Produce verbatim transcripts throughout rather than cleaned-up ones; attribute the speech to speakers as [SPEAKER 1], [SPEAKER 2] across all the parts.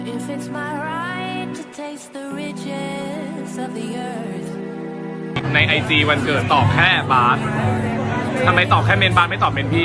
[SPEAKER 1] If it's my right to taste the riches of the earth
[SPEAKER 2] ในไอจีวันเกิดตอบแค่บาสทำไมตอบแค่เมนบาสไม่ตอบเมนพี่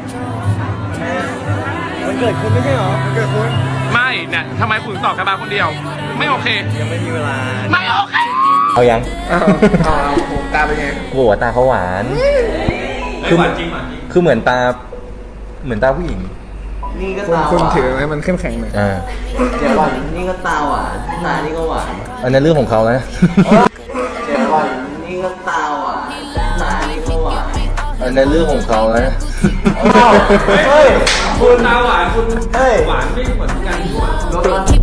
[SPEAKER 3] มันเกิดคุณไม่ใช่หรอมันเกิดคุณ
[SPEAKER 2] ไม่เนี่ยทำไมคุณตอบแค่บาสคนเดียว ไม่โอเค
[SPEAKER 3] ยังไม่มีเวลา
[SPEAKER 2] ไม่โอเค
[SPEAKER 4] เอายัง
[SPEAKER 3] อ้าวอ้าวผมตาเป็นไง
[SPEAKER 4] โหัวตาเขาหวานคือหวานจริงหวานจริงคือเหมือนตาเหมือนตาผู้หญิง
[SPEAKER 5] นี่ก็
[SPEAKER 3] คุณ
[SPEAKER 5] ตาห
[SPEAKER 3] คุณ
[SPEAKER 5] วาน
[SPEAKER 3] ถือไหมมันเข้มแข็งหน่อย
[SPEAKER 4] อ่า
[SPEAKER 5] เดี๋ยวก่อนนี่ก็ตาหวานตานี่ก็หวาน
[SPEAKER 4] อันนั้นเรื่องของเขาแล้วนะ
[SPEAKER 5] เดี๋ยวก่อนนี่ก็ตาหวานตานี่ก็หวาน
[SPEAKER 4] อันนั้นเรื่องของเขาแล้วนะ
[SPEAKER 5] เฮ้ย
[SPEAKER 2] คุณตาหวานคุณ
[SPEAKER 5] เฮ้ย
[SPEAKER 2] หวานไม่เหมือนกัน
[SPEAKER 5] รถ